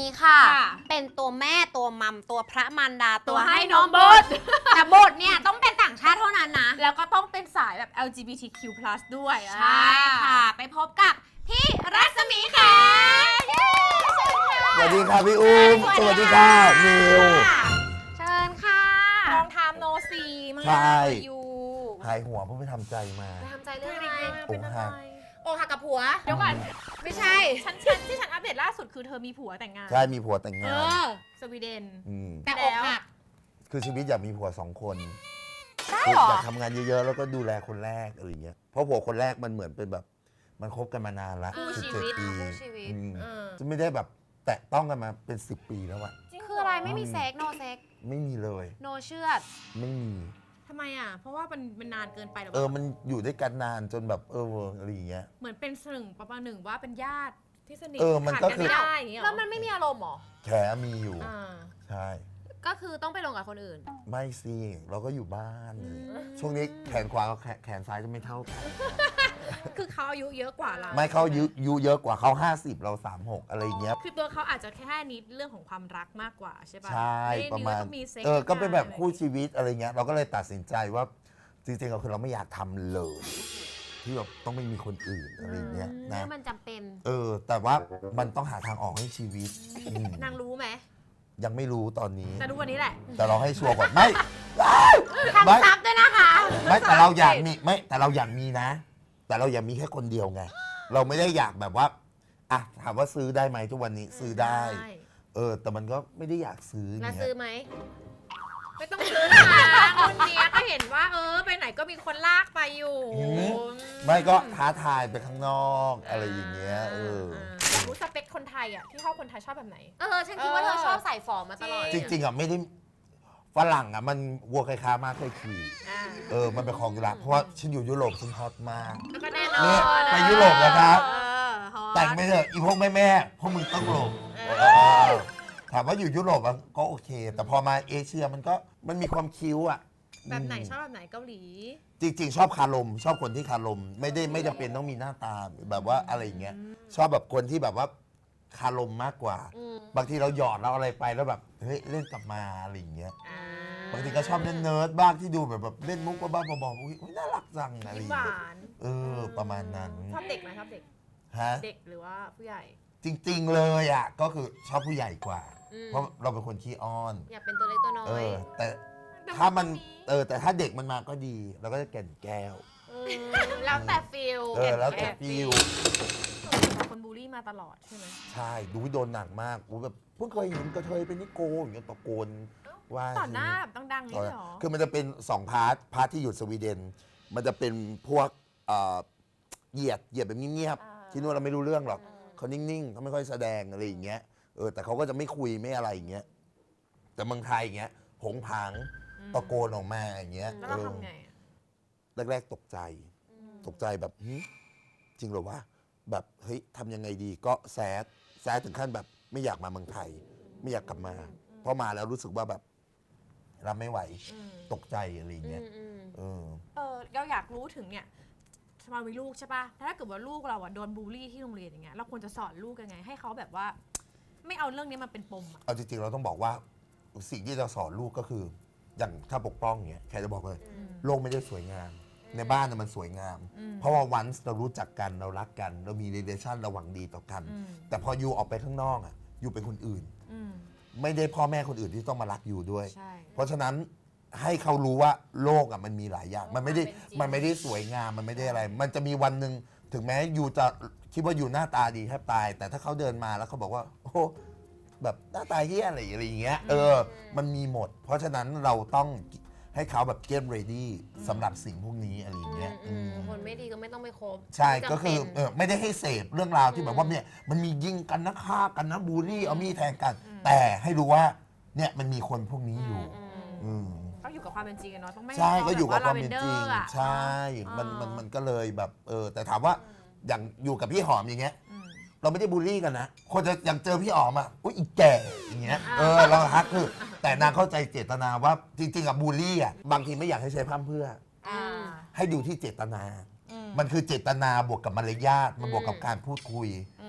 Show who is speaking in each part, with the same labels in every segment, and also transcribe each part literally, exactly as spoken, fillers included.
Speaker 1: ค่ะ
Speaker 2: ค่ะ
Speaker 1: เป็นตัวแม่ตัวมัมตัวพระมารดา
Speaker 2: ตัวให้น้องบท
Speaker 1: แต่บทเนี่ยต้องเป็นต่างชาติเท่านั้นนะ
Speaker 2: แล้วก็ต้องเป็นสายแบบ แอล จี บี ที คิว พลัส ด้วย
Speaker 1: ใช่ค่ะ ไปพบกับพี่รัศมีแขเย้เชิญค่ะ
Speaker 3: สวัสดีค่ะพี่อุ้มสวัสดีค่ะนิว
Speaker 1: เชิญค่ะ
Speaker 2: ลองทำโนซีมา
Speaker 3: ใช่
Speaker 2: อยู่
Speaker 3: หายหัวเพราะไปทำใจมา
Speaker 1: ไปทำใจเรื่องอะไร
Speaker 2: เป็นอะไร
Speaker 1: โอหักกับผัว
Speaker 2: เดี๋ยวก่อน
Speaker 1: ไม่ใช่
Speaker 2: ฉันฉันที่ฉันอัปเดตล่าสุดคือเธอมีผัวแต่งงาน
Speaker 3: ใช่มีผัวแต่งงา
Speaker 1: เอน อ
Speaker 2: สวีเดน
Speaker 3: ม
Speaker 1: แต่อกหัก
Speaker 3: คือชีวิตอยากมีผัวสองคน
Speaker 1: ได้
Speaker 3: คือ
Speaker 1: เหรอ
Speaker 3: อยากทำงานเยอะๆแล้วก็ดูแลคนแรกอะไรอย่างเงี้ยเพราะผัวคนแรกมันเหมือนเป็นแบบมันคบกันมานานละ
Speaker 1: คู่
Speaker 3: สิบ
Speaker 1: ชี
Speaker 3: เจ็ด
Speaker 1: วิต
Speaker 3: ปี
Speaker 1: คู่ชีวิต
Speaker 3: อืม
Speaker 1: เออ
Speaker 3: จะไม่ได้แบบแตะต้องกันมาเป็นสิบปีแล้วอะ
Speaker 2: จริงเห
Speaker 1: คืออะไรไม่มีเซ็กโนเซ็ก
Speaker 3: ไม่มีเลย
Speaker 1: โนเชื่อด
Speaker 3: ไม่มี
Speaker 2: ทำไมอ่ะ เพราะว่ามันมันนานเกินไปหรือ
Speaker 3: เออ
Speaker 2: เปล่า
Speaker 3: มันอยู่ด้วยกันนานจนแบบเอออะไรอย่างเงี้ย
Speaker 2: เหมือนเป็นหนึ่งประมาณหนึ่งว่าเป็นญาติที่สนิท
Speaker 3: เออมันก็
Speaker 2: ขาด
Speaker 3: คือ
Speaker 2: ไม่ได้อย่างเงี้ยหร
Speaker 1: แล้
Speaker 2: อ
Speaker 1: วมันไม่มีอารมณ์เหรอ
Speaker 3: แขมีอยู่
Speaker 2: อ่า
Speaker 3: ใช่
Speaker 1: ก็คือต้องไปลงกับคนอื่น
Speaker 3: ไม่สิเราก็อยู่บ้าน
Speaker 2: อืม
Speaker 3: ช่วงนี้แขนขวากับแขนแขนซ้ายจะไม่เท่ากัน
Speaker 2: คือเขาอายุเยอะกว่าเรา
Speaker 3: ไม่เขายุยุเยอะกว่าเขาห้าสิบเราสามสิบหกอะไรอย่างเงี้ย
Speaker 2: คือตัวเขาอาจจะแค่นิดเรื่องของความรักมากกว่าใช่ปะ
Speaker 3: ใช่
Speaker 2: ไได้
Speaker 3: ประมาณ
Speaker 2: ต้องซ็ก
Speaker 3: เออก็เป็นแบบคู่
Speaker 2: อะไร
Speaker 3: ชีวิตอะไรเงี้ยเราก็เลยตัดสินใจว่าจริงๆเราคือเราไม่อยากทำเลย ที่แบบต้องไม่มีคนอื่นอะไรเงี้ย
Speaker 1: อืม
Speaker 3: นะ
Speaker 1: มันจำเป็น
Speaker 3: เออ แต่ว่ามันต้องหาทางออกให้ชีวิตอืม
Speaker 2: นางรู้ไหม
Speaker 3: ยังไม่รู้ตอนนี้
Speaker 2: แต่รู้วันนี้แหละ
Speaker 3: แต่เราให้ชัวร์ก่อนไม่
Speaker 1: ทำซับด้วยนะคะ
Speaker 3: ไม่แต่เราอยากมีไม่แต่เราอยากมีนะ แต่เราอยากมีแค่คนเดียวไง เราไม่ได้อยากแบบว่าอ่ะถามว่าซื้อได้ไหมทุกวันนี้ซื้อได้ เออ แต่มันก็ไม่ได้อยากซื้อ
Speaker 1: แล้ว
Speaker 3: เงี้
Speaker 1: ซื้อย ไหม
Speaker 2: ไม่ต้องซื้อนะคะคนเนี้ยก็เห็นว่า เออไปไหนก็มีคนลากไปอยู่
Speaker 3: อืมไม่ก็ท้าทายไปข้างนอกอะไรอย่างเงี้ยเออ
Speaker 2: อยากรู้สเปคคนไทยอ่ะที่ชอบคนไทยชอบแบบไหน
Speaker 1: เออ ฉันคิดว่าเธอชอบใส่ฟอร์มมาตลอด
Speaker 3: จริงๆอ่ะไม่ได้ฝรั่งอ่ะมันวัวใครค้ามากเคยขี่
Speaker 2: อ่า
Speaker 3: เออมันเป็นของอยู่ละเพราะว่าฉันอยู่ยุโรปฉันฮอตมาก
Speaker 2: แล้วก็แน่นอน
Speaker 3: เนี่ยไปยุโรปนะครับ
Speaker 2: เออฮอต
Speaker 3: แต่งไปเถอะอีพวกแม่แม่ๆพวกมึงต้องหลบ
Speaker 2: เออ
Speaker 3: เออถามว่าอยู่ยุโรปอ่ะก็โอเค แต่พอมาเอเชียมันก็มันมีความคิ้วอ่ะ
Speaker 2: แบบไหนชอบแบบไหนเกาหลี
Speaker 3: จริง ๆ ชอบคารม ชอบคนที่คารม ไม่ได้ไม่จำเป็นต้องมีหน้าตาแบบว่าอะไรอย่างเงี้ยชอบแบบคนที่แบบว่าคารมมากกว่า
Speaker 1: อืม
Speaker 3: บางทีเราหยอดเราอะไรไปแล้วแบบเฮ้ยเล่นกลับมาอะไรอย่างเงี้ย
Speaker 2: อ่า
Speaker 3: บางทีก็ชอบเล่นเนิร์ดบ้างที่ดูแบบแบบเล่นมุกบ้าๆบอๆอุ้ยอุ๊ยน่ารักจังอะไรอ
Speaker 2: ยิ้ม
Speaker 3: ย่าง
Speaker 2: ห
Speaker 3: เงี้ยว
Speaker 2: าน
Speaker 3: เออประมาณนั้น
Speaker 2: ชอบเด็กไหมชอบเด็ก
Speaker 3: ฮะ
Speaker 2: เด็กหรือว่าผู้ใหญ่
Speaker 3: จริง ๆ เลยอ่ะก็คือชอบผู้ใหญ่กว่า
Speaker 1: อืม
Speaker 3: เพราะเราเป็นคนขี้อ้อน
Speaker 1: อยากเป็นตัวเล็กตัวน้อ
Speaker 3: เอย อ แต่ถ้ามันเออแต่ถ้าเด็กมันมาก็ดีเราก็จะแก่นแก้ว
Speaker 1: เออแล้วแต่ฟิล
Speaker 3: เออแล้วแต่ฟิล
Speaker 2: แต่คนบูลลี่มาตลอดใช่ไหม
Speaker 3: ใช่ดูโดนหนักมากอู้แบบเพิ่งเคยเห็นกระเทยเป็นนิโกอย่างเงี้ยตะโกนว่า
Speaker 2: ต่อหน้าแบบดังๆ
Speaker 3: ตอน
Speaker 2: นี่
Speaker 3: นั้น
Speaker 2: เหรอ
Speaker 3: คือมันจะเป็นสองพาร์ทพาร์ทที่อยู่สวีเดน มันจะเป็นพวกเอ่อเหยียดเหยียดแบบเงียบ
Speaker 2: อ่า
Speaker 3: ๆที่นู่นเราไม่รู้เรื่องหรอกเขานิ่งๆเขาไม่ค่อยแสดงอะไรอย่างเงี้ยเออแต่เขาก็จะไม่คุยไม่อะไรอย่างเงี้ยแต่เมืองไทยอย่างเงี้ยผงผางตะโกนออกมาอย่างเงี้ย
Speaker 2: แล้ว
Speaker 3: เอ
Speaker 2: เรา
Speaker 3: อ
Speaker 2: ทำไงอะ
Speaker 3: แรกๆตกใจ ตกใจแบบหึจริงเหรอวะแบบเฮ้ยทำยังไงดีก็แซดแซดถึงขั้นแบบไม่อยากมาเมืองไทย ไม่อยากกลับมา เพราะมาแล้วรู้สึกว่าแบบรับไม่ไหว
Speaker 2: อืม
Speaker 3: ตกใจอะไรอย่าง
Speaker 1: อื
Speaker 3: เงี้ย
Speaker 1: มอืม
Speaker 3: เออ
Speaker 2: เออเราอยากรู้ถึงเนี่ยมามีลูกใช่ป่ะถ้าเกิดว่าลูกเราอะโดนบูลลี่ที่โรงเรียนอย่างเงี้ยเราควรจะสอนลูกยังไง ให้เขาแบบว่า ไม่เอาเรื่องนี้มาเป็นปมอะ
Speaker 3: เอาจริงๆเราต้องบอกว่าสิ่งที่เราสอนลูกก็คือ อย่างถ้าปกป้องเงี้ยแค่จะบอกเลย
Speaker 2: อืม
Speaker 3: โลกไม่ได้สวยงาม ในบ้านน่ะมันสวยงาม
Speaker 2: อืม
Speaker 3: เพราะว่าวันเรารู้จักกันเรารักกัน เรามี relation เราหวังดีต่อกัน
Speaker 2: อืม
Speaker 3: แต่พอยูออกไปข้างนอกอ่ะยูเป็นคนอื่น
Speaker 2: อืม
Speaker 3: ไม่ได้พ่อแม่คนอื่นที่ต้องมารักยูด้วย
Speaker 2: ใช่
Speaker 3: เพราะฉะนั้นให้เขารู้ว่าโลกอ่ะมันมีหลายอย่าง มันไม่ได้
Speaker 2: เป็นจริง
Speaker 3: มันไม่ได้สวยงามมันไม่ได้อะไร มันจะมีวันหนึ่งถึงแม้ยูจะคิดว่ายูหน้าตาดีแทบตาย แต่ถ้าเขาเดินมาแล้วเขาบอกว่าโอ้แบบหน้าตาเฮี้ยอะไรอะไรอย่างเงี้ยเออ มันมีหมด เพราะฉะนั้นเราต้องให้เขาแบบ get ready สำหรับสิ่งพวกนี้อะไรอย่างเงี้ย
Speaker 1: อืม
Speaker 3: อืม
Speaker 1: คนไม่ดีก็ไม่ต้องไปคบ
Speaker 3: ใช่
Speaker 1: ไม่จำเป็น
Speaker 3: ก็คือเออไม่ได้ให้เสพเรื่องราวที่แบบว่าเนี่ยมันมียิงกันนะฆ่ากันนะบูลลี่เอามีดแทงกัน แต่ให้รู้ว่าเนี่ยมันมีคนพวกนี้อยู่
Speaker 1: อืม
Speaker 3: อืม
Speaker 2: ต้องอยู่กับความเป็นจริงอะเนาะต้องไม่
Speaker 3: ใช่
Speaker 2: ให้
Speaker 3: ก็อยู่กับความเป็นจริง
Speaker 2: แบบว่า lavender อะ
Speaker 3: ใช่ มันมันมันก็เลยแบบเออแต่ถามว่าอย่างอยู่กับพี่หอมอย่างเงี้ย
Speaker 2: อืม
Speaker 3: เราไม่ได้บูลลี่กันนะ คนจะอย่างเจอพี่หอมอ่ะอุ้ยอีแก่อย่างเงี้ยเออเราฮักคือ แต่นางเข้าใจเจตนาว่าจริงๆอะบูลลี่อ่ะบางทีไม่อยากให้ใช้พร่ำเพรื่อ
Speaker 2: อ่า
Speaker 3: ให้ดูที่เจตนา
Speaker 2: อืม
Speaker 3: มันคือเจตนาบวกกับมารยาทมันบวกกับการพูดคุย
Speaker 2: อืม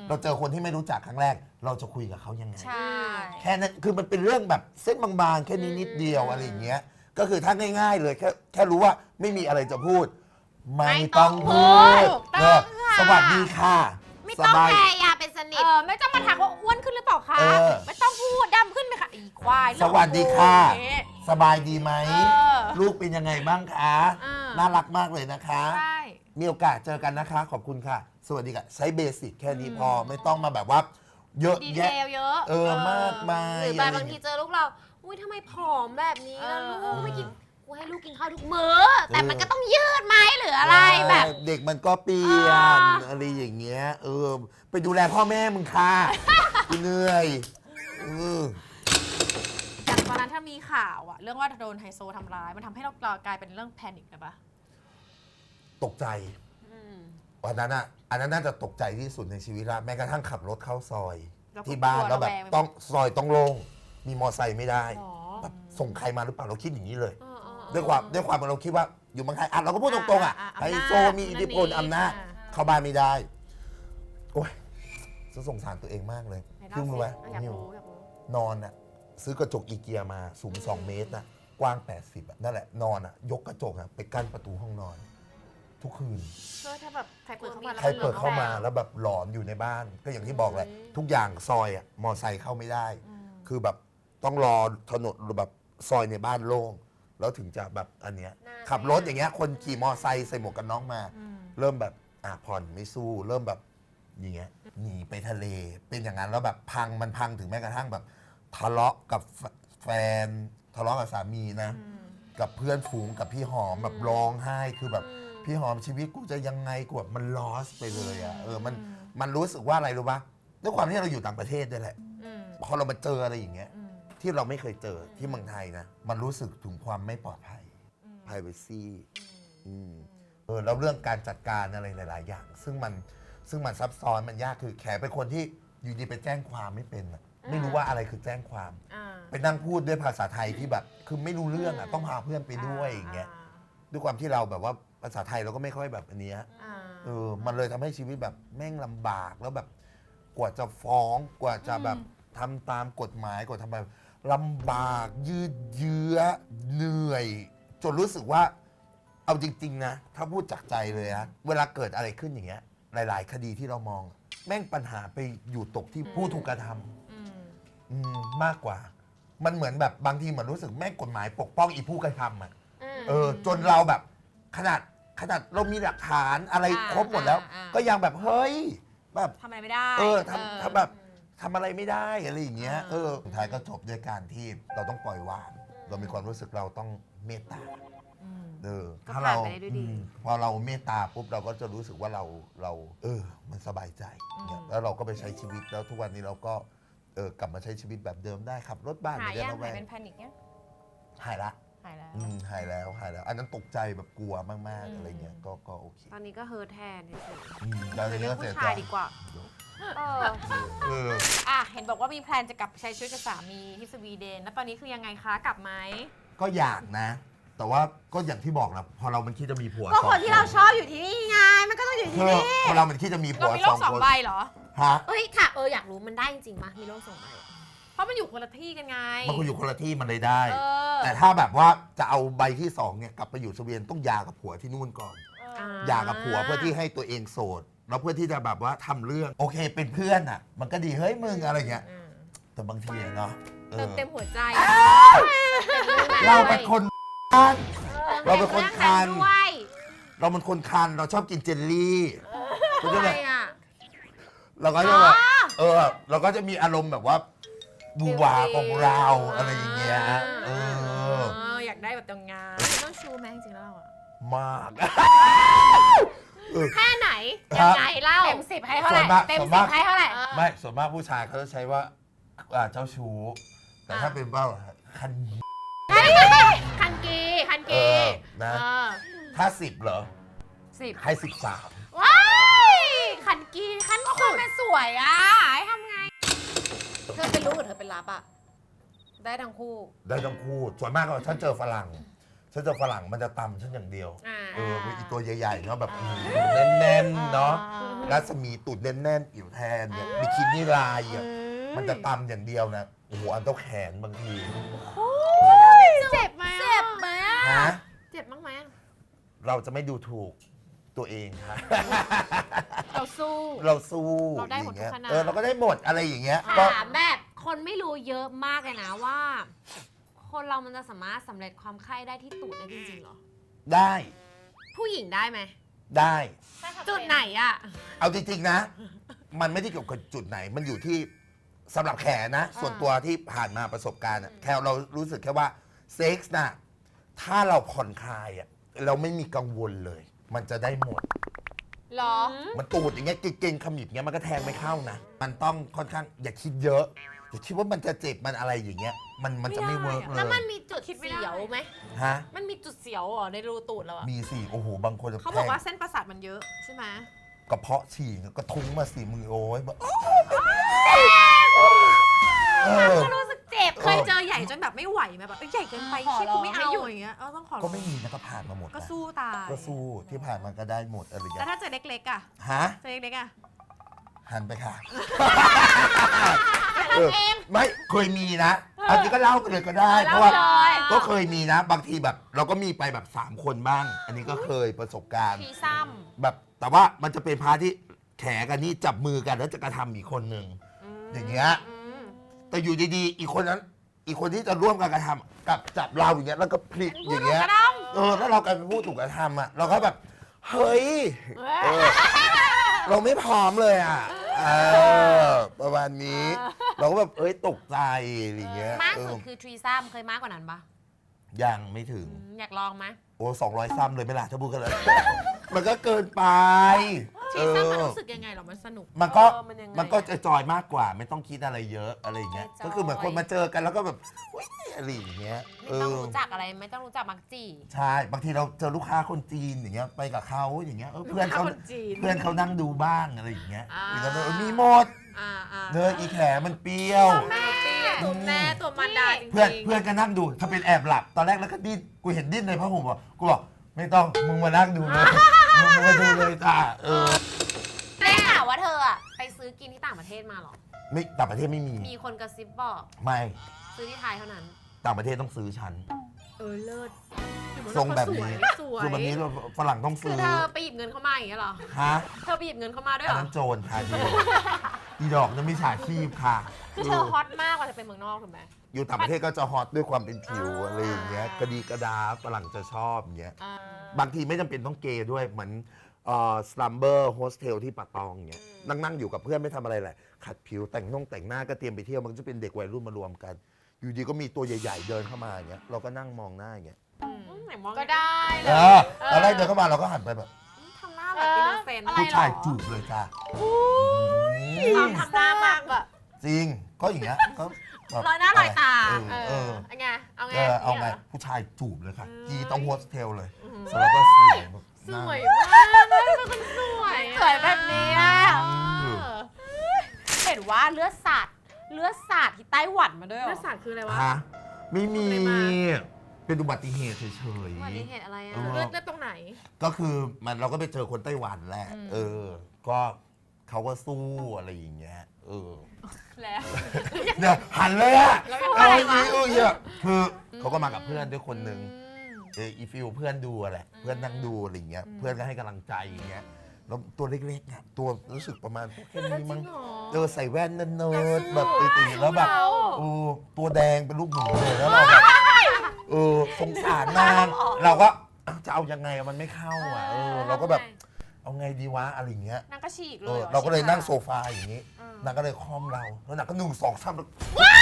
Speaker 3: เราเจอคนที่ไม่รู้จักครั้งแรก เราจะคุยกับเขายังไง
Speaker 1: ใช่
Speaker 3: แค่นั้นคือมันเป็นเรื่องแบบเส้นบางๆ แค่นี้นิดเดียวอะไรอย่างเงี้ย ก็คือถ้าง่ายๆเลยแค่แค่รู้ว่าไม่มีอะไรจะพูด ไม่ต้องพูด
Speaker 1: ถูกต้อง
Speaker 3: เออ
Speaker 1: ค่ะ
Speaker 3: สวัสดีค่ะ
Speaker 1: ไม่
Speaker 3: ส
Speaker 1: ต้อง
Speaker 3: บาย
Speaker 1: พยายามเป็นสนิ
Speaker 2: เอ
Speaker 1: ท
Speaker 2: อไม่ต้องมาถามว่าอ้วนขึ้นหรือเปล่าคะ
Speaker 3: เออ
Speaker 2: ไม่ต้องพูดดำขึ้นไหมคะอีควาย
Speaker 3: สวัสดีค่ะ
Speaker 2: เรื่องของกูอย่างเงี้ย
Speaker 3: สบายดีไหม
Speaker 2: เออ
Speaker 3: ลูกเป็นยังไงบ้างคะ
Speaker 2: อ่า
Speaker 3: น่ารักมากเลยนะคะ
Speaker 2: ใช่
Speaker 3: มีโอกาสเจอกันนะคะ ขอบคุณค่ะ สวัสดีค่ะ ใช้เบสิกแค่นี้พอไม่ต้องมาแบบว่า เยอะ
Speaker 2: ดีเท
Speaker 3: แยะ
Speaker 2: ลเยอะ
Speaker 3: เออมากมาย
Speaker 1: หรือแบบ
Speaker 3: ะไร
Speaker 1: บางทีเจอลูกเรา อุ้ยทำไมผอมแบบนี้ล่ะ
Speaker 2: เออ
Speaker 1: ลูก
Speaker 2: เออ
Speaker 1: ไม่กิน กูให้ลูกกินข้าวทุกมื้อ แต่มันก็ต้องยืดไหมหรืออะไรแบบ
Speaker 3: เด็กมันก็เปลี่ยน
Speaker 1: อ่า
Speaker 3: อะไรอย่างเงี้ย เออ ไปดูแลพ่อแม่มึงค่ะ กูเหนื่อยเออ
Speaker 2: อย่างตอนนั้นถ้ามีข่าวอะเรื่องว่าโดนไฮโซทำร้าย มันทำให้เรากลายเป็นเรื่องแพนิคเลยปะ
Speaker 3: ตกใจ วันนั้นอ่ะ อันนั้นน่าจะตกใจที่สุดในชีวิตละแม้กระทั่งขับรถเข้าซอย
Speaker 2: เราก็
Speaker 3: ที่บ้าน
Speaker 2: กลัว
Speaker 3: แล้วแบบ
Speaker 2: ระแวงไปหมด
Speaker 3: ต้องซอยต้องโล่งมีมอไซค์ไม่ได้
Speaker 2: หรอ
Speaker 3: แบบส่งใครมาหรือเปล่าเราคิดอย่างนี้เลย
Speaker 1: เออเออเออ
Speaker 3: ด้วยความด้วยความเราคิดว่าอยู่เมืองไทยอ่ะเราก็พูดตรงๆอ่ะ
Speaker 2: อ่าอ่า
Speaker 3: ไฮ
Speaker 2: อำนาจ
Speaker 3: โซมีอิทธิพล
Speaker 2: นั่นนี่
Speaker 3: อำนาจ
Speaker 2: อ่า
Speaker 3: เข้าบ้านไม่ได้ โอ้ยจะสงสารตัวเองมากเลย
Speaker 2: ไหนเล่า
Speaker 3: ซึ่งรู้ไหม
Speaker 2: สิอยาก
Speaker 3: นิว
Speaker 2: รู้อยากรู้
Speaker 3: นอนอ่ะซื้อกระจกอีเกียมาสูง สอง เมตรนะกว้าง แปดสิบอ่ะนั่นแหละนอนอ่ะยกกระจกอ่ะไปกั้นประตูห้องนอน ทุกคืน
Speaker 2: เพื่อถ้าแบบใครเปิดเข้ามาแล้ว
Speaker 3: ใครเปิดเข้ามา
Speaker 2: แล้
Speaker 3: แล้วแบบหลอนอยู่ในบ้าน ก็อย่างที่บอกแหละทุกอย่างซอยอ่ะมอไซค์เข้าไม่ได้ คือแบบต้องรอถนนแบบซอยในบ้านโล่งแล้วถึงจะแบบอันเนี้ยขับรถอย่างเงี้ยคนขี่มอไซค์ใส่หมวกกันน็อกมา เริ่มแบบอ่ะผ่อนไม่สู้ เริ่มแบบอย่างเงี้ยหนีไปทะเลเป็นอย่างนั้นแล้วแบบพังมันพังถึงแม้กระทั่งแบบทะเลาะกับแฟแฟนทะเลาะกับสามีนะ กับเพื่อนฝูงกับพี่หอมแบบร้องไห้คือแบบพี่หอมชีวิตกูจะยังไงกูแบบมันลอสไปเลยอ่ะเออมันมันรู้สึกว่าอะไรรู้ปะด้วยความที่เราอยู่ต่างประเทศด้วยแหละ
Speaker 2: อืม
Speaker 3: พอเรามาเจออะไรอย่างเงี้ย
Speaker 2: อืม
Speaker 3: ที่เราไม่เคยเจอที่เมืองไทยนะ มันรู้สึกถึงความไม่ปลอดภัย privacy อืมเออแล้วเรื่องการจัดการอะไรหลาย ๆ อย่าง ซึ่งมันซึ่งมันซับซ้อนมันยากคือแขเป็นคนที่อยู่ดีไปแจ้งความไม่เป็นอะไม่รู้ว่าอะไรคือแจ้งความ
Speaker 2: อ่า
Speaker 3: ไปนั่งพูดด้วยภาษาไทยที่แบบ คือไม่รู้เรื่องอ่ะต้องพาเพื่อนไปด้วยอย่างเงี้ยด้วยความที่เราแบบว่าภาษาไทยเราก็ไม่ค่อยแบบอันเนี้ย
Speaker 2: อ่า
Speaker 3: เออมันเลยทำให้ชีวิตแบบแม่งลำบากแล้วแบบกว่าจะฟ้องกว่าจะแบบทำตามกฎหมายกว่าทำแบบลำบากยืดเยื้อเหนื่อย จนรู้สึกว่า เอาจริง ๆ นะ ถ้าพูดจากใจเลยนะเวลาเกิดอะไรขึ้นอย่างเงี้ย หลาย ๆ คดีที่เรามอง แม่งปัญหาไปอยู่ตกที่ผู้ถูกกระทำ
Speaker 2: อืม
Speaker 3: อืมมากกว่า มันเหมือนแบบบางทีเหมือนรู้สึกแม่งกฎหมายปกป้องอีผู้กระทำอ่ะ เออ จนเราแบบขนาดขนาดเรามีหลักฐานอะไร
Speaker 2: อ่า
Speaker 3: ครบหมดแล้ว
Speaker 2: อ่า
Speaker 3: ก็ยังแบบเฮ้ย แบบ
Speaker 2: ทำอะไรไม่ได้
Speaker 3: เออทำทำแบบทำอะไรไม่ได้อะไรอย่างเงี้ย
Speaker 2: อ่า
Speaker 3: เออสุดท้ายก็จบด้วยการที่เราต้องปล่อยวาง เรามีความรู้สึกเราต้องเมตตา
Speaker 2: อืม
Speaker 3: เออ
Speaker 1: ก็
Speaker 3: ถ้า
Speaker 1: ผ่าน
Speaker 3: เรา
Speaker 1: ไปได้ด้วยดี
Speaker 3: อืมพอเราเมตตาปุ๊บเราก็จะรู้สึกว่าเราเรา เออ มันสบายใจเนี่ยแล้วเราก็ไปใช้ชีวิตแล้วทุกวันนี้เราก็เออกลับมาใช้ชีวิตแบบเดิมได้ขับรถบ้าน
Speaker 2: หาย
Speaker 3: ไม่ได้
Speaker 2: ยัง
Speaker 3: ระแว
Speaker 2: หาย
Speaker 3: ง
Speaker 2: เป็นแพนิคยัง
Speaker 3: หายละ
Speaker 2: หายแล้ว
Speaker 3: อืมหายแล้วหายแล้ว อันนั้นตกใจแบบกลัวมาก
Speaker 2: อืม
Speaker 3: ๆอะไรเงี้ยก็ก็โอเค
Speaker 1: ตอนนี้ก็เฮิร์ทแทนเฉย
Speaker 3: อืม
Speaker 1: ๆ
Speaker 3: เรา
Speaker 1: เป็น
Speaker 3: เนื้
Speaker 1: เรื่
Speaker 3: อ
Speaker 1: อง
Speaker 3: เสีย
Speaker 1: ผู้
Speaker 3: ใจ
Speaker 1: ชายดีกว่า เออ
Speaker 3: เออ
Speaker 2: อ่ะเห็นบอกว่ามีแพลนจะกลับไปใช้ชีวิตกับสามีที่สวีเดน แล้วตอนนี้คือยังไงคะกลับไหม
Speaker 3: ก็อยากนะ แต่ว่าก็อย่างที่บอกนะพอเรามันคิดจะมีผัว
Speaker 1: ก็
Speaker 3: ส
Speaker 1: ค
Speaker 3: อน ง
Speaker 1: ที่เราชอบอยู่ที่นี่ไง มันก็ต้องอยู่ที่
Speaker 3: คือ
Speaker 1: นี่
Speaker 3: พอเรามันคิดจะมีผั
Speaker 2: เรา
Speaker 3: ว
Speaker 2: มีโล
Speaker 3: สอก ง
Speaker 2: สอง
Speaker 3: คน
Speaker 2: ใบเหรอ
Speaker 3: ฮะ
Speaker 1: เอ้ยค่ะ เอออยากรู้มันได้จริงๆปะมีโลกส่งไป
Speaker 2: เพราะมันอยู่คนละที่กันไง
Speaker 3: มันคุยอยู่คนละที่มันเลยได้
Speaker 2: เออ
Speaker 3: แต่ถ้าแบบว่าจะเอาใบที่สองเนี่ยกลับไปอยู่สวีเดนต้องหย่ากับผัวที่นู่นก่อน
Speaker 2: เออ
Speaker 3: หย่ากับผัวเพื่อที่ให้ตัวเองโสดแล้วเพื่อที่จะแบบว่าทำเรื่องโอเคเป็นเพื่อนอ่ะ มันก็ดีเฮ้ยมึงอะไรเงี้ย
Speaker 2: อืม
Speaker 3: แต่บางทีเนาะเอ
Speaker 2: เติ
Speaker 3: อ
Speaker 2: มเต็มหัวใจ
Speaker 3: เราเป็นคนคัน เราเป็นคนคัน
Speaker 1: ด้วย
Speaker 3: เราเป็นคนคันเราชอบกินเจลลี่ก็จะ
Speaker 1: อะ
Speaker 3: แบ
Speaker 1: ไร
Speaker 3: บ
Speaker 1: อ่ะ
Speaker 3: เราก็จะแบบเออ เราก็จะมีอารมณ์แบบว่าบูวาของเราอะไรอย่างเงี้ยเออ
Speaker 2: เอออยากได้แบบตรงงานต้องชูแม่จริงๆแล้วเราอะ
Speaker 3: มาก
Speaker 1: แค่ไหน
Speaker 3: ครั
Speaker 1: ยั
Speaker 3: บ
Speaker 1: งไงเล่า
Speaker 2: เต็มสิบให้เท่าไหร่
Speaker 3: ส่วนมาก
Speaker 2: เต็ม
Speaker 3: ส่วน
Speaker 2: สิ
Speaker 3: มา
Speaker 2: บ
Speaker 3: ก
Speaker 2: ให้เท่าไหร่
Speaker 3: ไม่ส่วนมากผู้ชายเขาจะใช้ว่าอ่าเจ้าชู้ แต่ถ้าเป็นว่าคัน
Speaker 1: คันกีคัน
Speaker 3: เอ
Speaker 1: กี
Speaker 3: อนะ
Speaker 2: เออ
Speaker 3: ถ้าสิบเหรอ
Speaker 2: สิบ
Speaker 3: ให้สิบสาม
Speaker 1: ว้ายคันกีขั้น
Speaker 2: ก็ค
Speaker 1: สุ
Speaker 2: น
Speaker 1: ด
Speaker 2: เป็นสวยอ่ะให้ทำไง
Speaker 1: เธอเป็นลูกหรือเธอเป็นรับอ่ะ ได้ทั้งคู่
Speaker 3: ได้ทั้งคู่ส่วนมากก็ฉันเจอฝรั่งฉันจะฝรั่งมันจะตำฉันอย่างเดียว
Speaker 2: อ่า
Speaker 3: เอออีตัวใหญ่ๆเนาะแบบแน่นๆเนาะ
Speaker 2: อ่า
Speaker 3: รัศมีตูดแน่นๆผิวแทนเนี่ยบิกินี่ลายอ่ะมันจะตำอย่างเดียวนะโอ้โหอันเท่าแขนบางที
Speaker 2: เจ็บไหม
Speaker 1: เจ็บไหมอะ
Speaker 3: ฮะ
Speaker 2: เจ็บบ้างไหม
Speaker 3: เราจะไม่ดูถูกตัวเองค่ะ
Speaker 2: เราสู้
Speaker 3: เราสู้
Speaker 2: เราได้หมด
Speaker 3: อย่งงี้ย
Speaker 2: ทุกขนาด
Speaker 3: เออเราก็ได้หมดอะไรอย่างเงี้ยก็
Speaker 1: ถามแบบคนไม่รู้เยอะมากเลยนะว่า คนเรามันจะสามารถสำเร็จความใคร่ได้ที่ตูดได้จริงๆเหรอ
Speaker 3: ได้
Speaker 1: ผู้หญิงได้ไหม
Speaker 3: ได้
Speaker 2: จุดไหนอะ
Speaker 3: เอาจริงๆนะ มันไม่ได้เกี่ยวกับจุดไหน มันอยู่ที่สำหรับแขนะ ส่วนตัวที่ผ่านมาประสบการณ์อะแค่เรารู้สึกแค่ว่าเซ็กส์น่ะถ้าเราผ่อนคลายอ่ะเราไม่มีกังวลเลย มันจะได้หมด
Speaker 2: หรอ
Speaker 3: มันตูดอย่างเงี้ยเก่งๆขมิบเงี้ยมันก็แทงไม่เข้านะ มันต้องค่อนข้างอย่าคิดเยอะอย่าคิดว่ามันจะเจ็บมันอะไรอย่างเงี้ย มันมันจะไม่เวิร์กเล
Speaker 1: แล้ว
Speaker 3: ย
Speaker 1: มันมีจุด
Speaker 2: คิดไม่ได้
Speaker 1: เสียวไหม
Speaker 3: ฮะ
Speaker 1: มันมีจุดเสียวเหรอในรูตูดเราอะ
Speaker 3: มีสิโอ้โหบางคนจะ
Speaker 2: เขาบ
Speaker 3: แท
Speaker 2: อก
Speaker 3: ง
Speaker 2: ว่าเส้นประสาทมันเยอะใช่ไหม
Speaker 3: กระเพาะฉี่กระทุ้งมาสิมือโอ้ยแบบเออ
Speaker 1: ก็รู้สึกเจ็บ
Speaker 2: เคยเจอใหญ่จนแบบไม่ไหวไหมแบบเอ้ยใหญ่เกินไป
Speaker 1: ขอ
Speaker 2: คิด
Speaker 1: ร้อง
Speaker 2: กูไม่เอา
Speaker 1: ให้หยุด
Speaker 2: อย่างเงี้ยเออต้องขอร้อง
Speaker 3: ก็ไม่มีนะก็ผ่านมาหมดนะ
Speaker 2: ก็สู้ตาย
Speaker 3: ก็สู้ที่ผ่านมาก็ได้หมดอะไรอย่าง
Speaker 2: แล้ว
Speaker 3: เงี้ย
Speaker 2: ถ้าเจอเล็กๆอะ
Speaker 3: ฮะ
Speaker 2: เจอเล็กๆอะ
Speaker 3: หันไปค่ะเออไม่เคยมีนะเอาจริงก็เล่าไปเลยก็ได้ เพราะว่า ก็เคยมีนะ บางทีแบบ เราก็มีไปแบบสามคนบ้าง อันนี้ก็เคยประสบการณ์
Speaker 1: ทีซ้
Speaker 3: แบบแต่ว่ามันจะเป็นพาร์ทที่แขกันนี่จับมือกันแล้วจะกระทำอีกคนหนึ่ง
Speaker 1: ำ
Speaker 3: อย่างเงี้ย แต่อยู่ดีๆ อีกคนนั้น อีกคนที่จะร่วมกันกระทำกับจับเราอย่างเงี้ยแล้วก็พลิกอย่างเงี้ยเออแล้วเรากลายเป็นผู้ถูกกระทำอ่ะเราก็แบบเฮ้ยเออเราไม่พร้อมเลยอ่ะเออประมาณนี้ เราก็แบบเอ้ยตกใจอะไรอย่างเงี้ย
Speaker 1: มาก
Speaker 3: เอ
Speaker 1: สุ
Speaker 3: อ
Speaker 1: ดคือทรีซ้ำเคยมากกว่านั้นปะ
Speaker 3: ยังไม่ถึง
Speaker 1: อืมอยากลองไหม
Speaker 3: โอ้สองร้อยซ้ำเลยไม่ล่ะถ้าพูดกันเลย มันก็เกินไป
Speaker 2: ชีซ่ามันรู้สึกยังไงหรอมันสนุก
Speaker 3: มันก็
Speaker 1: เออมันยังไง
Speaker 3: มันก็จะจอยมากกว่า ไม่ต้องคิดอะไรเยอะอะไรอย่างเงี้ย
Speaker 1: จอย
Speaker 3: ก็คือเหมือนคนมาเจอกันแล้วก็แบบอุ๊ยอะไรอย่างเงี้ย
Speaker 1: ไม่ต้องรู้จักอะไรไม่ต้องรู้จักมักจี
Speaker 3: ใช่บางทีเราเจอลูกค้าคนจีนอย่างเงี้ยไปกับเขาอย่างเงี้ยเออเพื่อนเขา
Speaker 2: ลูกค้าคนจีน
Speaker 3: เพื่อนเขานั่งดูบ้างอะไรอย่างเงี้ย
Speaker 2: อ่า
Speaker 3: หรือก็เออมีหมด
Speaker 2: อ่าอ่า
Speaker 3: เนยอีแขมันเปรี้ยว
Speaker 2: แม่เปรี้ยวตัวแม่ตัวมันดาจริงๆ
Speaker 3: เพื่อนเพื่อนก็นั่งดูถ้าเป็นแอบหลับตอนแรกแล้วก็ดิ้นกูเห็นดิ้นในผ้าห่มอ่ะกูบอกไม่ต้องมึงมานั่งดูเลยมึงมาดูเลยจ้าเออ
Speaker 1: ได้ข่าวว่าเธออะไปซื้อกินที่ต่างประเทศมาเหรอ
Speaker 3: ไม่ต่างประเทศไม่มี
Speaker 1: มีคนกระซิบบอก
Speaker 3: ไม่
Speaker 1: ซื้อที่ไทยเท่านั้น
Speaker 3: ต่างประเทศต้องซื้อชั้น
Speaker 2: เออเลิศ
Speaker 3: ทรงแบบนี้
Speaker 2: สวย
Speaker 3: คือแบบนี้ฝรั่งต้อง
Speaker 1: คือ
Speaker 3: ซื้อ
Speaker 1: เธอไปหยิบเงินเข้ามาอย่างเงี้ยเหรอ
Speaker 3: ฮะ
Speaker 1: เธอไปหยิบเงินเข้ามาด้วย
Speaker 3: อั
Speaker 1: เห
Speaker 3: น
Speaker 1: รอ
Speaker 3: นั้นโจรค่ะดีอีดอกนั้นไม่ฉาชีพค่ะ
Speaker 2: คือเธอฮอตมากกว่าจะเป็นเมืองนอกถูกไหม
Speaker 3: อยู่ต่างประเทศก็จะฮอตด้วยความเป็นผิว
Speaker 2: อ่า
Speaker 3: อะไรอย่างเงี้ยกระดีกระดาฝรั่งจะชอบอย่างเงี้ย
Speaker 2: อ่า
Speaker 3: บางทีไม่จำเป็นต้องเกย์ด้วยเหมือนเอ่อสลัมเบอร์โฮสเทลที่ปะตองเงี้ยนั่งนั่งอยู่กับเพื่อนไม่ทำอะไรแหละขัดผิวแต่งน่งแต่งหน้าก็เตรียมไปเที่ยวมันก็จะเป็นเด็กวัยรุ่นมารวมกัน อยู่ดีก็มีตัวใหญ่ ๆ เดินเข้ามาอย่างเงี้ยเราก็นั่งมองหน้าอย่างเงี้ย
Speaker 1: ไหนมอง
Speaker 2: ก็ได้เล
Speaker 3: เอย อตอนแรกเดินเข้ามาเราก็หันไปแบบ
Speaker 1: ทำหน้าแบบอินโนเซนต์
Speaker 2: อะไร
Speaker 3: ผู้
Speaker 2: หรอ
Speaker 3: ชายจูบเลยจ้า
Speaker 1: ทำทำหน้ามากอะ
Speaker 3: จริงก็อย่างเงี้ยก็แบบ
Speaker 1: ลอยหน้าลอยตา
Speaker 3: เออ
Speaker 2: เอ
Speaker 3: เอ
Speaker 2: อ
Speaker 3: อ
Speaker 2: เอาไงเอาไง
Speaker 3: เออเอาไง
Speaker 2: นี่ยหร
Speaker 3: ผู้ชายจูบเลยค่ะ
Speaker 2: อืม
Speaker 3: กีต้องโฮสเทลเลยเสร็จแล้วก็สวยแบบ
Speaker 2: ส
Speaker 3: นั่ง
Speaker 2: วยมากเลยเป็นคนสวยอะ
Speaker 1: สวยแบบนี้อะ
Speaker 3: อืม
Speaker 1: เห็นว่าเลือดสาดเลือดสาดที่ไต้หวันมาด้วยเหร
Speaker 2: เลื
Speaker 1: อ
Speaker 2: อดสาดคืออะไรวะ
Speaker 3: ฮะไม่มี
Speaker 2: อะไรมา
Speaker 3: เป็นอุบัติเหตุเฉย
Speaker 1: อุบัติเหตุอะไรอะ
Speaker 3: เออ
Speaker 2: เลือดเลือดตรงไหน
Speaker 3: ๆก็คือมันเราก็ไปเจอคนไต้หวันแหละ
Speaker 2: อืม
Speaker 3: เออ ก็เขาก็สู้อะไรอย่างเงี้ยเออ
Speaker 1: แล้ว
Speaker 3: เนี่ยหันเลยอะ
Speaker 2: แล้วยัง
Speaker 3: เอา
Speaker 2: ไง
Speaker 3: ไอ้
Speaker 2: วะ
Speaker 3: นี่เออเนี่ยคือเขาก็มากับเพื่อนด้วยคนหนึ่ง
Speaker 2: อืม
Speaker 3: เอออีฟิวเพื่อนดูอะแหละเพื่อนนั่งดูอะไรอย่างเงี้ย
Speaker 2: อืม
Speaker 3: เพื่อนก็ให้กำลังใจอย่างเงี้ยแล้วตัวเล็กๆอะตัวรู้สึกประมาณแค่นี้มั้ง
Speaker 2: จริงเหรอ
Speaker 3: เออใส่แว่นเนิ
Speaker 2: อยาก
Speaker 3: ร์ด
Speaker 2: สู้
Speaker 3: ๆแบบตีๆแล้วแบบ
Speaker 2: เรา
Speaker 3: โอ้ตัวแดงเป็นลูกหนูเลยแล้วเราแบบเออสงสารนางเราก็เอ้าจะเอายังไงอะมันไม่เข้าอ่ะเออเราก็แบบเอาไงดีวะอะไรอย่างเงี้ย
Speaker 2: นางก็ฉีกเล
Speaker 3: เอย อ
Speaker 2: หอ
Speaker 3: เราก็เลย
Speaker 2: ฉี
Speaker 3: นั่งโซฟาอย่างนี้
Speaker 2: อืม
Speaker 3: นางก็เลยคล่อมเราแล้วนางก็หนึ่งสองสามแล้ว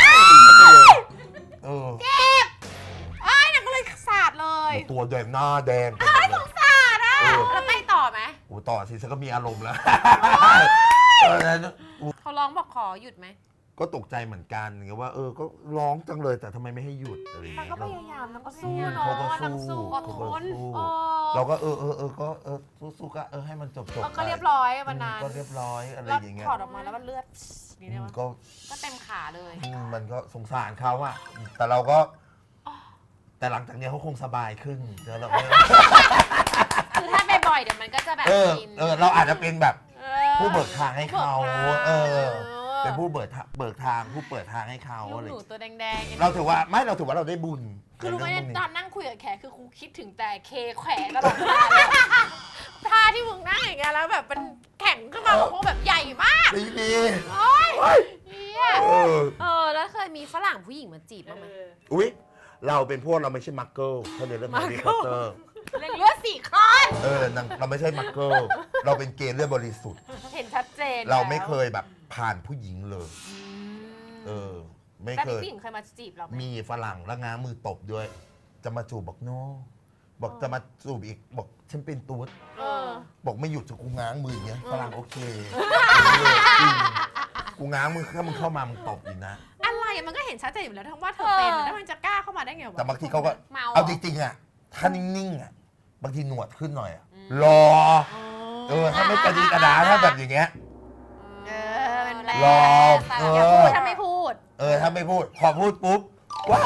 Speaker 3: เออ
Speaker 2: ไอ้นางก็เลยสาดเลย
Speaker 3: ตัวแดงหน้าแดงเป็นแบบ เออ
Speaker 1: แล้วไปต่อไหม
Speaker 3: โอ้ต่อสิฉันก็มีอารมณ์แล้วตอนนั้น
Speaker 1: เขาร้องบอกขอหยุดไหม
Speaker 3: ก็ตกใจเหมือนกันไงว่าเออก็ร้องจังเลยแต่ทำไมไม่ให้หยุดอะไรอย่าง
Speaker 2: นาง
Speaker 3: เงี้ย
Speaker 2: ก็พยายามนางก็สู้
Speaker 3: อืม
Speaker 2: เนาะ
Speaker 3: เขาก็
Speaker 2: นาง
Speaker 3: สู้
Speaker 2: สู้อด
Speaker 3: เขา
Speaker 2: ท
Speaker 3: ก็
Speaker 2: น
Speaker 3: สู้
Speaker 2: เออ
Speaker 3: เราก็เออเออเออก็เออสู้ๆก็เออให้มันจบจบ
Speaker 2: แล้วก็เรียบร้อยวันนั้น
Speaker 3: ก็เรียบร้อยอะไร
Speaker 2: แล้ว
Speaker 3: อย่างเงี้ย
Speaker 2: ถอดออกมาแล้วมันเลือดนี่
Speaker 3: อื
Speaker 2: ได้
Speaker 3: ม
Speaker 2: ปะ
Speaker 3: ก็
Speaker 1: ก็เต็มขาเลย
Speaker 3: อืมมันก็สงสารเขาอะแต่เราก็แต่หลังจากเนี้ยเขาคงสบายขึ้นเดี๋ยวเราไม่
Speaker 1: คือถ้าบ่อยๆเดี๋ยวมันก็จะแบบ
Speaker 3: เออ
Speaker 1: ชิน
Speaker 3: เออเราอาจจะเป็นแบบ
Speaker 2: เออ
Speaker 3: ผู้เบิกทางให้เขา
Speaker 2: บิกทง
Speaker 3: เออ
Speaker 2: เออ
Speaker 3: เป็นผู้เบิกทางเบิกทางผู้เปิดทางให้เขา
Speaker 2: ลูก
Speaker 3: อะไร
Speaker 2: หนูตัวแดงๆ
Speaker 3: เราถือว่าไม่เราถือว่าเราได้บุญ
Speaker 2: คือรู้ไหม
Speaker 3: ในเรื่องพวกนี้
Speaker 2: ตอนนั่งคุยกับแขกคือครูคิดถึงแต่เคแขวตลอดเวลาเลยท่าที่มึงนั่งอย่างเงี้ยแล้วแบบเป็นแข็งขึ้นมาของพวกแบบใหญ่มาก
Speaker 3: ไม่มี
Speaker 2: โอ๊ยเฮีย
Speaker 3: เออ
Speaker 1: เออ แล้วเคยมีฝรั่งผู้หญิงมาจีบบ้างไหม
Speaker 3: อุ๊ยเราเป็นพวกเราไม่ใช่มักเกิลถ้าในเรื่องแฮร์รี่พอตเตอร์
Speaker 2: เลือดสี่คลอน
Speaker 3: เออนางเราไม่ใช่มักเกิลเราเป็นเกย์เลือดบริสุทธิ์
Speaker 2: เห็นชัดเจน
Speaker 3: เราไม่เคยแบบผ่านผู้หญิงเลย
Speaker 2: อืม
Speaker 3: เออ ไม่
Speaker 2: แต่
Speaker 3: เค
Speaker 2: มี
Speaker 3: ย
Speaker 2: ผู้หญิงเคยมาจีบเราไหม
Speaker 3: มีฝรั่งแล้วง้างมือตบด้วย จะมาจูบบอกโนบอกจะมาจูบอีกบอกฉันเป็นตูด
Speaker 2: เออ
Speaker 3: บอกไม่หยุดจะกูง้างมืออย่างเงี้ยฝรั่งโอเคจริงกูง้างมือถ้ามึงเข้ามามึงตบอีกนะ
Speaker 2: อะไรอะมันก็เห็นชัดเจนอยู่แล้วทั้งว่าเธอเป็นแล้วมันจะกล้าเข้ามาได้ไงวะ
Speaker 3: แต่บางทีเขาก็
Speaker 1: เมา
Speaker 3: เอาจริงๆอ่ะถ้านิ่งๆอ่ะบางทีหนวดขึ้นหน่อยอ่ะรอ เออถ้าไม่กระดีกระดาถ้าแบบอย่างเงี้ย
Speaker 2: เออมันแรง
Speaker 3: รอเออ
Speaker 2: อย่าพูดถ้าไม่พูด
Speaker 3: เออถ้าไม่พูดพอพูดปุ๊บว้าย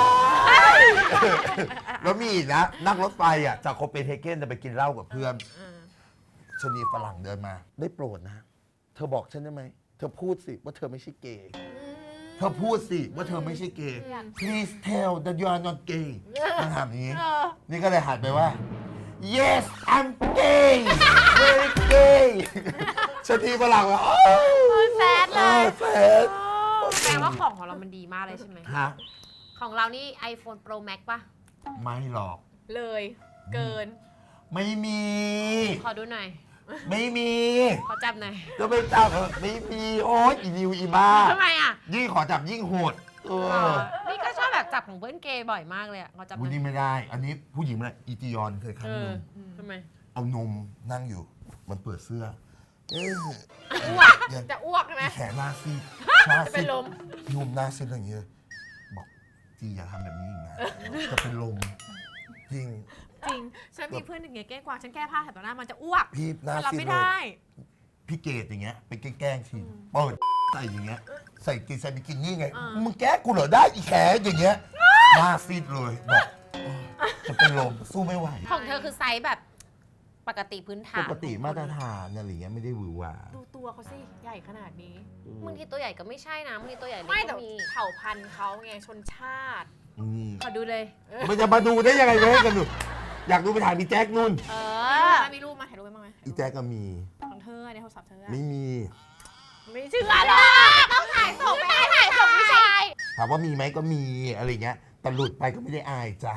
Speaker 3: แล้วมีอีกนะนั่งรถไฟอ่ะจากโคเปนเฮเกนจะไปกินเหล้ากับเพื่อนชนีฝรั่งเดินมา ได้โปรดนะ เธอบอกฉันได้ไหมเธอพูดสิว่าเธอไม่ใช่เกย์เธอพูดสิว่าเธอไม่ใช่เกย์ please tell that you are not gay มันถามอย่างนี้
Speaker 2: เออ
Speaker 3: นี่ก็เลยหันไปว่า yes I'm gay very gay ชนีฝรั่งว่าโอ้
Speaker 2: แซดเลย
Speaker 3: แฟน
Speaker 1: แปลว่าของของเรามันดีมากเลยใช่ไหม
Speaker 3: ฮะ
Speaker 1: ของเรานี่ iPhone Pro Max ป่ะ
Speaker 3: ไม่หรอก
Speaker 2: เลย เกิน
Speaker 3: ไม่มี
Speaker 1: ขอดูหน่อย
Speaker 3: ไม่มี
Speaker 1: ขอจับหน่อย
Speaker 3: จะไปจับเถอะไม่มีโอ๊ยอีนิวอีบ้า
Speaker 1: ทำไมอ่ะ
Speaker 3: ยิ่งขอจับยิ่งโหดเออ
Speaker 1: นี่ก็ชอบแบบจับของเพื่อนเกย์บ่อยมากเลยอ่ะ ขอจับห
Speaker 3: วุ้
Speaker 1: น่อย
Speaker 3: นี่ไม่ได้ อันนี้ผู้หญิงไม่ได้อีจียอนเคยครั้
Speaker 1: เอง
Speaker 3: ห
Speaker 1: อ
Speaker 3: นึ่ง
Speaker 1: ทำไม
Speaker 3: เอานมนั่งอยู่ มันเปิดเสื้อ เอ๊ะ
Speaker 2: อ้วก
Speaker 3: เนี่ย
Speaker 2: จะอ้วกใช่ไหม
Speaker 3: แขนหน้าซีดหน้า
Speaker 2: จะ
Speaker 3: ซี
Speaker 2: เป็น
Speaker 3: ด
Speaker 2: ลม
Speaker 3: นมหน้าซีดอะไรอย่างเงี้ยบอกจีอย่าทำแบบนี้อีกนะจะเป็นลมจริง
Speaker 2: จริง ฉันมีเพื่อนหนึ่งไงแกล้งกวางฉันแก้ผ้าแถวต่อหน้ามันจะอ้วก
Speaker 3: พี่หน้า
Speaker 2: มันรับ
Speaker 3: ซีด
Speaker 2: ไม่
Speaker 3: เล
Speaker 2: ได้
Speaker 3: ยพี่เกดอย่างเงี้ยไปแกล้งๆทีเปิดใส่อย่างเงี้ยใส่กินใส่บิกินี่ไงมึงแกล้งกูเหรอได้อีแขนอย่างเงี้ยหน้าซีดเลยบอกเออจะเป็นลมสู้ไม่ไหว
Speaker 1: ของเธอคือไซส์แบบปกติพื้นฐา
Speaker 3: ป
Speaker 1: น
Speaker 3: กติมาตรฐานอะไรอย่างเงี้ยไม่ได้หวือหวา
Speaker 2: ดูตัวเขาสิ ใหญ่ขนาดนี้
Speaker 1: บางทีตัวใหญ่ก็ไม่ใช่นะบางทีตัวใหญ่เล็ก
Speaker 2: ไม่แต่
Speaker 1: ก็มี
Speaker 2: เผ่าพันธุ์เขาไงชนชาติ
Speaker 3: อืม
Speaker 1: ขอดูเลย
Speaker 3: มันจะมาดูได้ยังไงไม่ให้กันดูอยากดูไปถ่ายมีแจ็คนุ่น
Speaker 1: เอ
Speaker 2: มีรูป
Speaker 1: อ
Speaker 2: ไหมมีรูปมาถ่ายรูปไว้บ้างไหม
Speaker 3: อีแจ็คก็มี
Speaker 2: ของเธอในโทรศัพท์เธออะ
Speaker 3: ไม่มี
Speaker 2: ไม่เชื่อหรอกต้องถ่ายส่งไปถ่ายส่งผู้ชาย
Speaker 3: ถามว่ามีไหมก็มีอะไรเงี้ยแต่หลุดไปก็ไม่ได้อายจ้ะ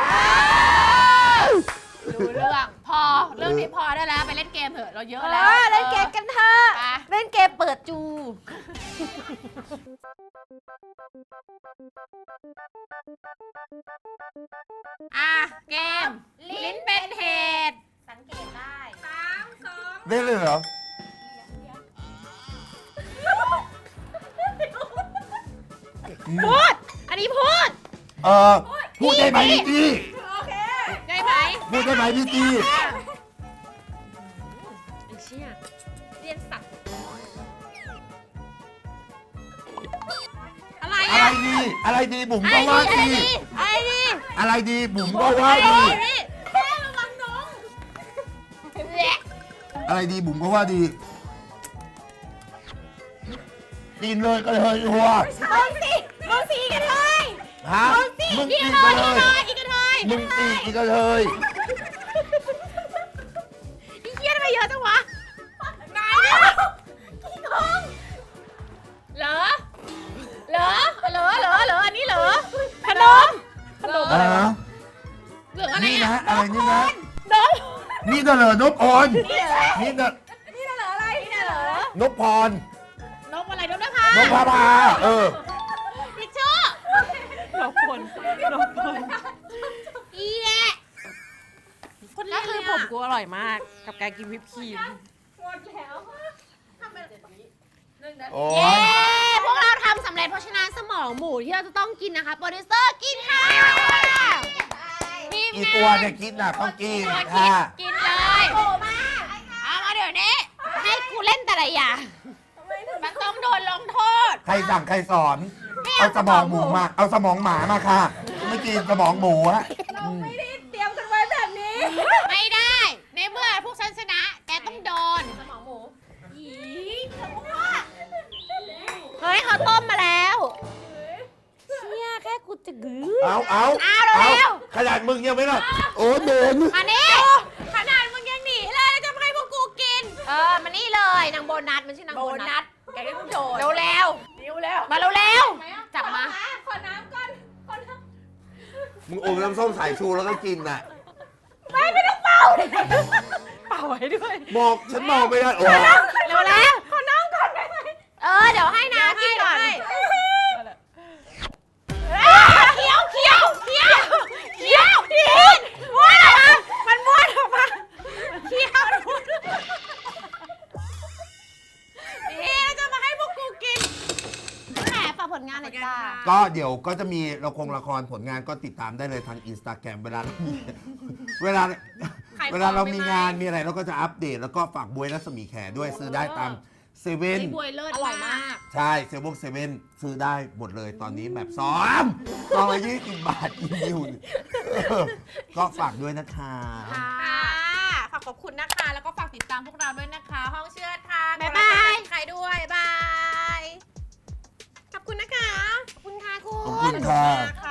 Speaker 2: รู้เรื่องพอเรื่องนี้พอได้แล้วไปเล่นเกมเถอะเราเยอะ
Speaker 1: เอ
Speaker 2: แล้ว
Speaker 1: อเล่นเกมกันเถอะ
Speaker 2: ไป
Speaker 1: เล่นเกมเปิดจู
Speaker 2: อ่ะเกม ลิ้นเป็นเหตุ
Speaker 1: สังเกตได้
Speaker 2: สามสอง
Speaker 3: ได้เลยเหรอ
Speaker 2: พูด อันนี้พูด
Speaker 3: เออพูดได้ไหมพี่จี
Speaker 2: โอเค ได้ไหม
Speaker 3: พูดได้ไหมพี่จี
Speaker 1: ไอ้เชี่ยเรียนสัตว์
Speaker 2: อะไร
Speaker 3: อะไร
Speaker 2: อ่ะ
Speaker 3: ดีอะไรดีบุ๋มก็ว่าดี
Speaker 2: ไอ้นี่
Speaker 3: อะไรดีบุ๋มก็ว่าดี
Speaker 2: แค่ระวังน้องแหละ
Speaker 3: อะไรดีบุ๋มก็ว่าดีกินเลยก็เลยหัว
Speaker 2: มึงสิมึงสิอีกกระเทย
Speaker 3: ฮะ
Speaker 2: มึงสิ
Speaker 3: มึง
Speaker 2: อีก
Speaker 3: ตี
Speaker 2: กระ
Speaker 3: กั
Speaker 2: เท
Speaker 3: น
Speaker 2: ย
Speaker 3: เลย
Speaker 2: อีกกระเทย
Speaker 3: มึงตีอีกกันเลย
Speaker 2: อีเหี้ยทำไมเยอะจังวะนายเนี่ยขี้โกงเหรอเหรอเหรอเหรอเหรออันนี้เหรอขนมขนม
Speaker 3: อ่า
Speaker 2: เหลืออะไร
Speaker 3: นี่
Speaker 2: อ่ะ
Speaker 3: นะอะไรนี่นะ
Speaker 2: นม
Speaker 3: นี่น่ะเหรอนพพรนี่น่ะ
Speaker 2: นี่น่ะเหรออะไรนี่น่ะเหรอน
Speaker 3: พพร
Speaker 2: นมอะไรนมนภาน
Speaker 3: พพาเออ
Speaker 2: ทิชชู่นมพลนมพลอีแหละคนแร
Speaker 1: ก็
Speaker 2: ก
Speaker 1: คื
Speaker 2: คือ อ
Speaker 1: ผ
Speaker 2: ผม ม
Speaker 1: กูอร่อยมาก กับการกินวิปครีม
Speaker 3: โอ้
Speaker 1: เย้
Speaker 3: ย
Speaker 1: พวกเราทำสำเร็จเพราะฉะนั้นสมองหมูที่เราจะต้องกินนะคะ โปรดิวเซอร์กินค่ะทีม
Speaker 3: อี
Speaker 1: งาน
Speaker 3: ตัวเนี่ยคิดน่ะต้องกิน
Speaker 1: ตัวคิด
Speaker 3: ค่ะ
Speaker 1: กินเลยเอามาเดี๋ยวนี้ ให้กูเล่นแต่ละอย่างมันต้องโดนลงโทษ
Speaker 3: ใครสั่งใครสอน เอาสมองหมูมา เอาสมองหมามาค่ะ ไม่กินสมองหมูฮะ
Speaker 2: ไม่ได้เตรียมกันไว้แบบนี้ ไม่ได้ ในเมื่อพวกฉันชนะ แกต้องโดน
Speaker 1: สมองหมู
Speaker 2: อีเฮ้ยเขาต้มมาแล้ว
Speaker 1: เนี่ยแค่กูจะกือ
Speaker 3: เอาเอา
Speaker 2: เอาเร็ว
Speaker 3: ขนาดมึงยังไม่รอดโอ้โดน
Speaker 2: มานี่ขนาดมึงยังหนีเลยแล้วจะมาให้พวกกูกิน เออ มานี่เลยนางโบนัสมันชื่อนาง
Speaker 1: โบ
Speaker 2: โบ
Speaker 1: นั
Speaker 2: นั
Speaker 1: ส
Speaker 2: ส
Speaker 1: แกได้ต้องโดน
Speaker 2: เร็วเร็ว
Speaker 1: นิ้วแล้ว
Speaker 2: ๆมาเร็วเร็ว
Speaker 1: จับมา
Speaker 2: ขอน้ำก่อนขอน้
Speaker 3: มึงอมน้ำส้มสายชูแล้วก็กินน่ะ
Speaker 2: ำไม่ไม่ต้องเป่าเป่าไว้ด้วย
Speaker 3: มองฉันมองไม่ได้โอ้
Speaker 2: เร็วแล้วขอน้ำก่อนได้ไหมเออ เดี๋ยวให้น้ำกินก่อนเคี้ยวเคี้ยวเคี้ยวเคี้ยวดินม้วนออกมามันม้วนออกมาเคี้ยวมันม้วนนี่จะมาให้พวกกูกินแหมฝากผลงานหน่อยจ้า
Speaker 3: ก็เดี๋ยวก็จะมีละครละครผลงานก็ติดตามได้เลยทางอินสตาแกรมเวลาเรามีเวลา
Speaker 2: ขายของ
Speaker 3: เวลาเรามี
Speaker 2: ไหม
Speaker 3: งานมีอะไรเราก็จะอัปเดตแล้วก็ฝากบวยรัศมีแขด้วยซื้อได้ตามเซเว่น
Speaker 2: ไอ้บวยเลิศ
Speaker 1: อร่อยมาก
Speaker 3: ใช่เซเว่นเซเว่นซื้อได้หมดเลยตอนนี้แบบซ้อมซองละยี่สิบบาทอีนิวก็ฝากด้วยนะคะ
Speaker 2: ค่ะฝากขอบคุณนะคะ แล้วก็ฝากติดตามพวกเราด้วยนะคะ ห้องเชื่อดทาง
Speaker 1: บ๊ายบาย
Speaker 2: ใครด้วยบาย ขอบคุณนะคะ ขอบคุณค่ะคุณ
Speaker 3: ขอบคุณค่ะ
Speaker 2: ข